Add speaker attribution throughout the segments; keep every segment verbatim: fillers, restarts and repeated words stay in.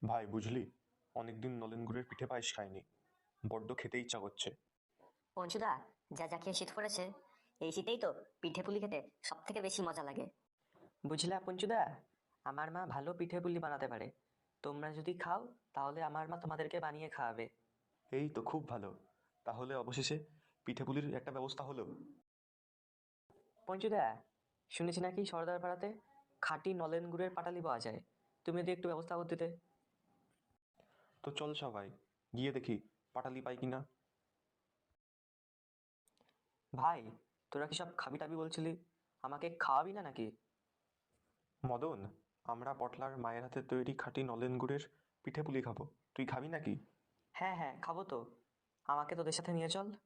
Speaker 1: ভাই বুঝলি, অনেকদিন নলেন গুড়ের পিঠে পায়েস খাইনি, বড্ড খেতে ইচ্ছা করছে।
Speaker 2: পঞ্চুদা, যা যা খেয়ে শীত পড়েছে, এই শীতেই তো পিঠে পুলি খেতে সব থেকে বেশি মজা লাগে।
Speaker 3: বুঝলা পঞ্চুদা, আমার মা ভালো পিঠে পুলি বানাতে পারে। তোমরা যদি খাও তাহলে আমার মা তোমাদেরকে বানিয়ে খাওয়াবে।
Speaker 1: এই তো খুব ভালো, তাহলে অবশেষে পিঠেপুলির একটা ব্যবস্থা হলো।
Speaker 3: পঞ্চুদা, শুনেছি নাকি সর্দার পাড়াতে খাঁটি নলেন গুড়ের পাটালি পাওয়া যায়। তুমি যদি একটু ব্যবস্থা করে দিতে।
Speaker 1: তো চল সবাই গিয়ে দেখি পাটালি পাই কিনা।
Speaker 3: ভাই, তোরা কি সব খাবি টাবি বলছিলি, আমাকে খাওয়াবি না নাকি?
Speaker 1: মদন, আমরা পটলার মায়ের হাতে তৈরি খাঁটি নলেন গুড়ের পিঠেপুলি খাবো, তুই খাবি নাকি?
Speaker 3: হ্যাঁ হ্যাঁ, খাবো তো। আমাকে তোদের সাথে নিয়ে চল।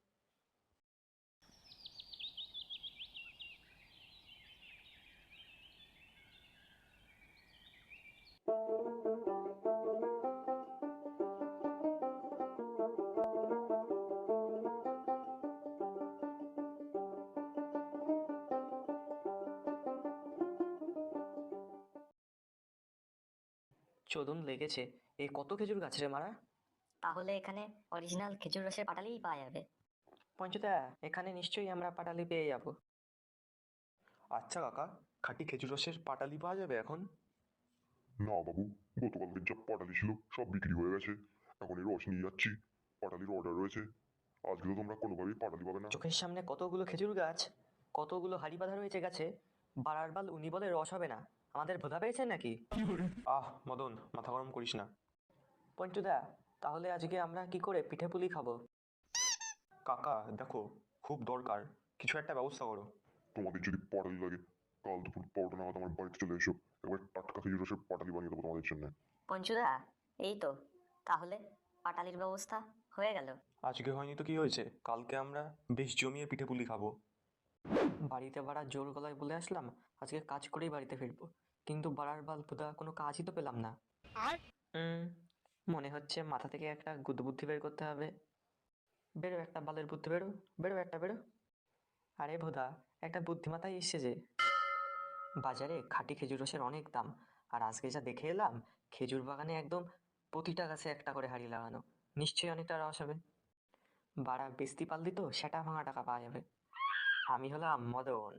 Speaker 3: চোদন লেগেছে, এ কত খেজুর গাছ রে মারা।
Speaker 2: তাহলে এখানে অরিজিনাল খেজুর রসের পাটালিই পাওয়া যাবে।
Speaker 3: পঞ্চুদা, এখানে নিশ্চয়ই আমরা পাটালি পেয়ে যাবো।
Speaker 1: আচ্ছা কাকা, খাঁটি খেজুর রসের পাটালি পাওয়া যাবে এখন?
Speaker 4: না বাবু, গতকালকের যা পাটালি ছিল সব বিক্রি হয়ে গেছে। এখন এই রস নিয়ে যাচ্ছি, পাটালির অর্ডার রয়েছে। আজকে তো তোমরা কোনোভাবেই পাটালি পাবে না।
Speaker 3: চোখের সামনে কতগুলো খেজুর গাছ, কতগুলো হাড়ি বাঁধা রয়েছে গাছে, বাড়ার বাল উনি বলে রস হবে না। আমাদের ভোধা পেয়েছেন নাকি?
Speaker 1: আহ মদন, মাথা গরম করিস না।
Speaker 3: পঞ্চুদা, তাহলে আজকে আমরা কি করে পিঠে পুলি খাবো?
Speaker 1: কাকা দেখো, খুব দরকার, কিছু একটা ব্যবস্থা করো।
Speaker 4: তোমাদের যদি পাটালি লাগে, কাল দুপুর বারোটা নাগাদ আমার বাড়িতে চলে এসো। এবার টাটকা খেজুর রসের পাটালি বানিয়ে দেবো তোমাদের জন্য।
Speaker 2: পঞ্চুদা, এই তো, তাহলে পাটালির ব্যবস্থা হয়ে গেল।
Speaker 1: আজকে হয়নি তো কি হয়েছে, কালকে আমরা বেশ জমিয়ে পিঠেপুলি খাবো।
Speaker 3: বাড়িতে বাড়া জোর গলায় বলে আসলাম আজকে কাজ করেই বাড়িতে ফিরবো, কিন্তু বাড়ার বাল ভোদা কোনো কাজই তো পেলাম না। হুম, মনে হচ্ছে মাথা থেকে একটা গুদবুদ্ধি বের করতে হবে। বেরো একটা বালের বুদ্ধি, বেরো বেরো একটা বেরো। আরে ভোদা, একটা বুদ্ধিমাতাই এসছে যে। বাজারে খাঁটি খেজুর রসের অনেক দাম, আর আজকে যা দেখে এলাম, খেজুর বাগানে একদম প্রতিটা গাছে একটা করে হাঁড়ি লাগানো, নিশ্চয়ই অনেকটা রস হবে। বাড়া বেচতি পারলি তো সেটা ভাঙা টাকা পাওয়া যাবে। আমি হলাম মদন।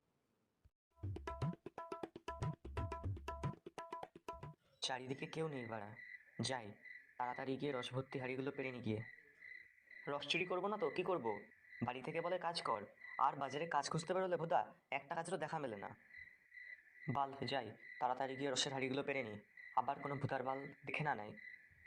Speaker 3: চারিদিকে কেউ নেই বাড়া, যাই তাড়াতাড়ি গিয়ে রস ভর্তি হাঁড়িগুলো পেরে নি গিয়ে। রস চুরি করবো না তো কি করব, বাড়ি থেকে বলে কাজ কর, আর বাজারে কাজ খুঁজতে বেরোলে ভোদা একটা কাজেরও দেখা মেলে না। বাল, যাই তাড়াতাড়ি গিয়ে রসের হাঁড়িগুলো পেরে নি, আবার কোনো ভূতার বাল দেখে না নেয়।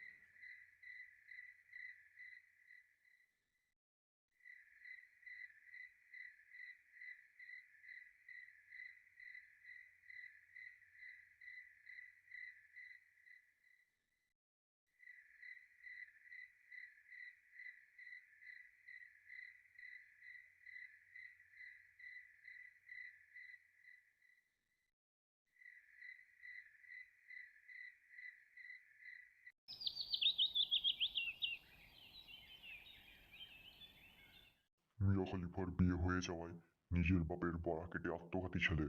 Speaker 4: মিয়া খলিফার বিয়ে হয়ে যাওয়ায় নিজের বাপের বড়া কেটে আত্মঘাতী ছেলে।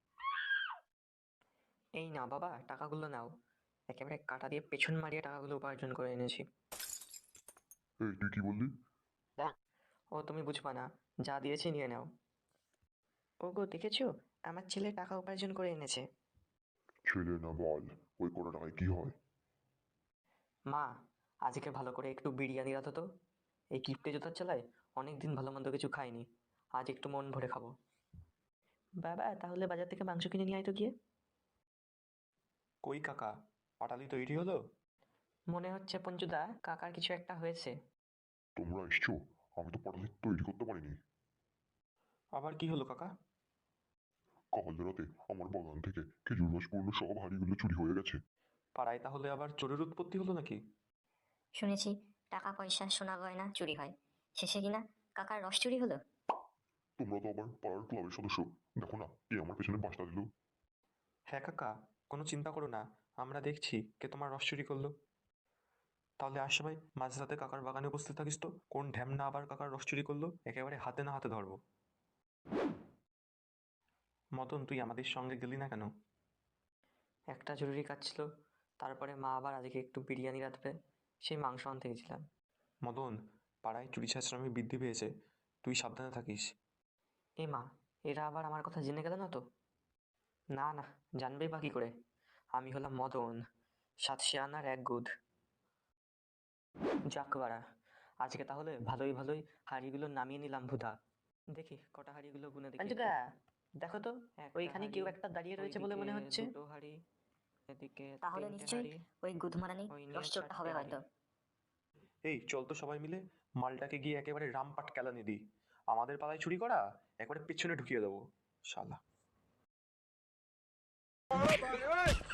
Speaker 3: এই না বাবা, টাকাগুলো নাও, একেবারে কাটা দিয়ে পেছন মারিয়ে টাকাগুলো উপার্জন করে এনেছি।
Speaker 4: এই তুই কি বললি?
Speaker 3: ও তুমি বুঝবা না, যা দিয়েছি নিয়ে নাও। ওগো দেখেছো, আমার ছেলে টাকা উপার্জন করে এনেছে।
Speaker 4: ছেলে না বল, ওই কটা টাকায় কি হয়?
Speaker 3: মা, আজকে ভালো করে একটু বিরিয়ানি রাঁধো তো। এই কিপ্টে জোতার চালায় অনেকদিন ভালো মন্দ কিছু খাইনি, আজ একটু মন ভরে খাবো। বাবা, তাহলে বাজার থেকে মাংস কিনে নিয়ে আয় তো গিয়ে।
Speaker 1: কই কাকা, পাটালি তৈরি হলো?
Speaker 3: মনে হচ্ছে পঞ্চুদা কাকার কিছু একটা হয়েছে।
Speaker 4: তোমরা এসছো, আমি তো পাটালি তৈরি করতে পারিনি।
Speaker 1: আবার কি হলো কাকা?
Speaker 4: কাল রাতে আমার বাগান থেকে খেজুর রসপূর্ণ সব হাঁড়িগুলো চুরি হয়ে গেছে।
Speaker 1: পাড়ায় তাহলে আবার চোরের উৎপত্তি হলো নাকি?
Speaker 2: শুনেছি টাকা পয়সা সোনা গয়না চুরি হয়, শেষে কিনা কাকার রস চুরি হলো।
Speaker 4: তোমরা তো আবার পাড়ার ক্লাবের সদস্য, দেখো না কে আমার পেছনে বাসটা দিল।
Speaker 1: হ্যাঁ কাকা, কোনো চিন্তা করো না, আমরা দেখছি কে তোমার রস চুরি করলো। তাহলে আজ সবাই মাঝরাতে কাকার বাগানে উপস্থিত থাকিস তো, কোন ঢ্যামনা আবার কাকার রস চুরি করলো একেবারে হাতে না হাতে ধরবো। মদন, তুই আমাদের সঙ্গে গেলি না কেন?
Speaker 3: একটা জরুরি কাজ ছিল, তারপরে মা আবার আজকে একটু বিরিয়ানি রাঁধবে, সেই মাংস আনতে গেছিলাম।
Speaker 1: মদন, পাড়ায় চুরি ছাঁচড়ামি বৃদ্ধি পেয়েছে, তুই সাবধানে থাকিস।
Speaker 3: এ মা, এরা আবার আমার কথা জেনে গেল না তো? না না, জানবেই বা কী করে? আমি হলাম মদন, সাতশে আনার এক গুদ। যাক বাড়া, আজকে তাহলে ভালোই ভালোই হাঁড়িগুলো নামিয়ে নিলাম ভুদা। দেখি কটা হাঁড়িগুলো গুনে দেখি।
Speaker 2: পাঞ্চুদা,
Speaker 3: দেখো তো, ওইখানে কেউ একটা দাঁড়িয়ে রয়েছে বলে মনে হচ্ছে। দুটো হাঁড়ি, এদিকে
Speaker 2: তাহলে
Speaker 3: তিনটে
Speaker 2: নিশ্চয়ই
Speaker 3: হাঁড়ি,
Speaker 2: ওই গুদমারানি
Speaker 3: ওই নিয়ে
Speaker 2: রসচোরটা হবে
Speaker 3: চারটে
Speaker 2: হয়তো।
Speaker 1: এই চল তো সবাই মিলে মালটাকে গিয়ে একেবারে রামপাট কেলানি দিই। আমাদের পাড়ায় চুরি করা একেবারে পিছনে ঢুকিয়ে দেবো শালা।